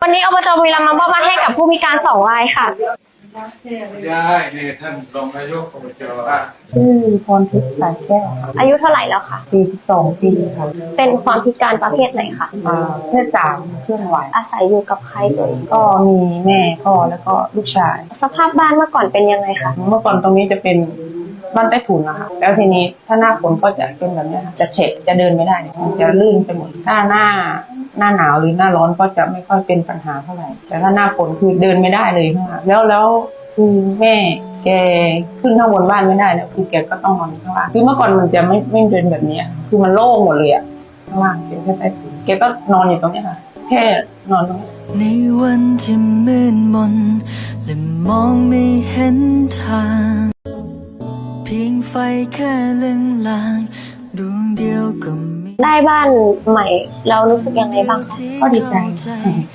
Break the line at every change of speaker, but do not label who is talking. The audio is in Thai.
วันนี้อบจบุรีรัมย์นำมอบมาให้กับผู้พิการ2 รายค่ะ
ได้นี่ท่านรองนายกอบจ
ชื่อพรทิพย์สายแก้วค่ะ
อายุเท่าไหร่แล้วคะ
42 ปีค่ะ
เป็นความพิการประเภทไหนคะ
เพศ3เคลื่อนไหว
อาศัยอยู่กับใครเอ่ย
ก็มีแม่พ่อแล้วก็ลูกชาย
สภาพบ้านเมื่อก่อนเป็นยังไงคะ
เมื่อก่อนตรงนี้จะเป็นบ้านใต้ถุนนะคะแล้วทีนี้ถ้าหน้าฝนก็จะเป็นแบบนี้ค่ะจะเฉะจะเดินไม่ได้จะลื่นไปหมดถ้าหน้าหนาวหรือหน้าร้อนก็จะไม่ค่อยเป็นปัญหาเท่าไหร่แต่ถ้าหน้าฝนคือเดินไม่ได้เลยค่ะแล้วคือแม่แกขึ้นข้างบนบ้านไม่ได้แล้วคือแกก็ต้องนอนข้างล่างคือเมื่อก่อนมันจะไม่เป็นแบบนี้คือมันโล่งหมดเลยข้างล่างเป็นแค่ใต้ถุนแกก็นอนอยู่ตรงนี้ค่ะแค่นอนตรงนี้
ในวันที่มืดมนและมองไม่เห็นทางเพียงไฟแค่เลือนลางดวงเดียวก็มี
ได้บ้านใหม่เรารู้สึกยังไงบ้างคะ
ก็ดีใจ